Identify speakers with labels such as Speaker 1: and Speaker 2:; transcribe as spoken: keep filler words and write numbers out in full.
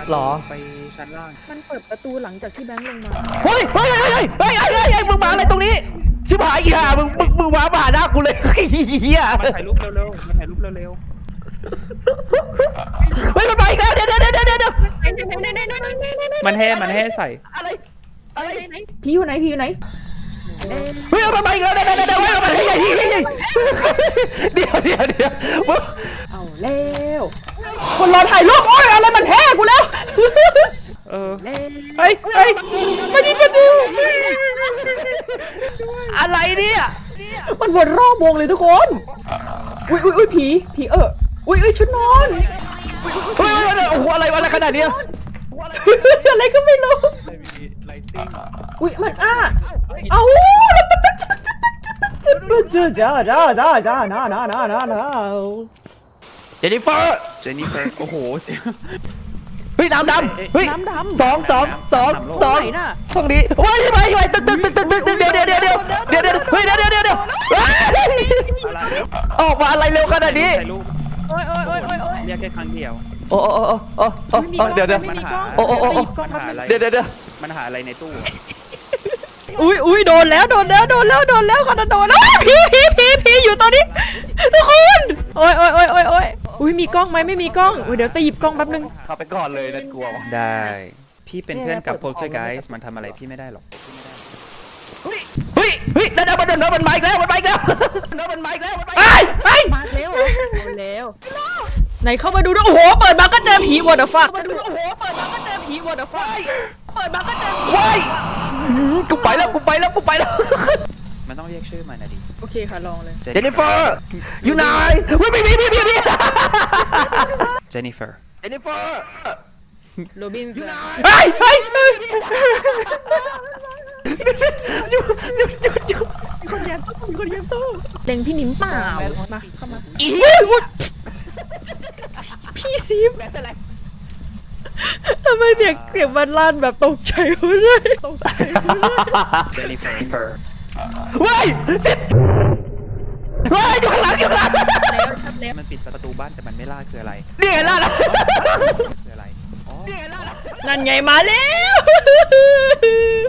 Speaker 1: หรอ
Speaker 2: ไปชั้นล่าง
Speaker 3: มันเปิดประตูหลังจากที่แบงค์ลงมา
Speaker 1: เฮ้ยเฮ้ยเฮ้ยเฮ้ยเฮ้ยเฮ้ยเฮ้ยมึงมาอะไรตรงนี้ชิบหายอีห่ามึงมึงมึงมาหาหน้ากูเลยเฮีย
Speaker 2: มาถ่ายรูปเร็วๆมาถ่ายรูปเร็ว
Speaker 1: เฮ้ยมันไปอีกแล้วเดี๋ยวเดี๋ยวเดี๋ยวเดี๋ยว
Speaker 2: ๆมันแห่มันแห่ใส่
Speaker 1: อะไรอะไร
Speaker 3: พี่อยู่ไหนพี่อยู่ไหน
Speaker 1: เฮ้ยมันไปอีกแล้วเดี๋ยวเดี๋ยวเดี๋ยวเดี๋ยวเดี๋ยวเดี๋ยวเดี๋ยว
Speaker 3: เอาแล้วคนรอถ่ายรูปโอ้ยอะไรมันแท้กูแล้ว
Speaker 2: เออเฮ้ยเฮ้ยมาดิมาดิ
Speaker 1: อะไรเนี่ย
Speaker 3: มันวนรอบวงเลยทุกคนอุ้ยอุ้ยอุ้ยผีผีเอออุ้ยอุ้ยชุดนอน
Speaker 1: เฮ้ยโอ้โหอะไรวะอะไรขนาดนี้
Speaker 3: อะไรก็ไม่รู้อุ้ยมันอ้าเอ้าจ้าจ้าจ้าจ้าจ้าน้าน้าน้าน้าน้า
Speaker 1: เจนนิเฟอร์
Speaker 2: เจนนิเฟอร์โอ้โห
Speaker 1: เฮ้ยน้ำดำเฮ้ย
Speaker 3: น้ำดำ
Speaker 1: สองสองสองสองตรงนี้ว้ายไปไปตึ๊ดตึ๊ดตึ๊ดตึ๊ดตึ๊ดเดี๋ยวเดี๋ยวเดี๋ยวเดี๋ยวเดี๋ยวเดี๋ยวเฮ้ยเดี๋ยวเดี๋ยวเดี๋ยวเดี๋ยวออกมาอะไรเร็วขนาดนี้
Speaker 3: โอ้ยโอ้ยโอ้ยโอ้ยโอ้ย
Speaker 2: เรียกแค่ครั้งเดียว
Speaker 1: โอ้โอ้โอ้โอ้โอ้เดี๋ยวเดี๋ยว
Speaker 2: มันหา
Speaker 1: โอ้โอ้โอ้เดี๋ยวเดี๋ยวเดี๋ยว
Speaker 2: มันหาอะไรในตู้
Speaker 3: อุ้ยอุ้ยโดนแล้วโดนแล้วโดนแล้วโดนแล้วขนาดโดนแล้วผีผีผีผีอยู่ตอนนี้ทุกคนโอ้ยโอ้ยโอ้ยโอ้ยโอ้ยอุ้ยมีกล้องไหมไม่มีกล้องเดี๋ยวไปหยิบกล้องแป๊บนึง
Speaker 1: เข้าไปก่อนเลยนั่นกลัว
Speaker 2: ได้พี่เป็นเพื่อนกับโพลเชอร์ไกส์มันทำอะไรพี่ไม่ได้หรอก
Speaker 1: เฮ้ยเฮ้ยเฮ้ยนั่นมันเดินมันมาอีกแล้วมันมาอีกแล้วเดินมันมาอีกแล้วมันมา
Speaker 3: ไอ้ไอ้มาแล้วมาแล้วไหนเข้ามาดูด้วยโอ้โหเปิดมาก็เจอผีวอเตอร์ฟักมาดูโอ้โหเปิดมาก็เจอผีวอเตอร์ฟักเปิดมาก็เจอผี
Speaker 1: ว้ายกูไปแล้วกูไปแล้วกูไปแล้ว
Speaker 2: มันต้องเรียกชื่อมันนะดิ
Speaker 3: โอเคค่ะลองเลย
Speaker 1: เจนนิเฟอร์อยู่ไหนวิ่งวิ่งวิ่งวิ่งวิ่ง
Speaker 2: เจนนิเฟอร์
Speaker 1: เจนนิเฟอร์
Speaker 3: โรบินสัน
Speaker 1: เฮ้ยเฮ้ยหยุดหยุดหยุดหยุด
Speaker 3: คนแย่ตู้คนแย่ตู้เล็งพี่นิ้มเปล่ามาเข้ามา
Speaker 1: อี
Speaker 3: พี่นิ้มทำไมเสียงเสียงมันลั่นแบบตกใจเลยตกใจ
Speaker 2: เจนนิเฟอร์
Speaker 1: เฮ้ยเจ็ดเฮ้ยอยู่ข้างหลังอยู่ข้างหลัง
Speaker 2: มันปิดประตูบ้านแต่มันไม่ล่าคืออะไร
Speaker 1: นี่ไงล่ะ
Speaker 2: คืออะไร
Speaker 3: นั่นไงมาแล้ว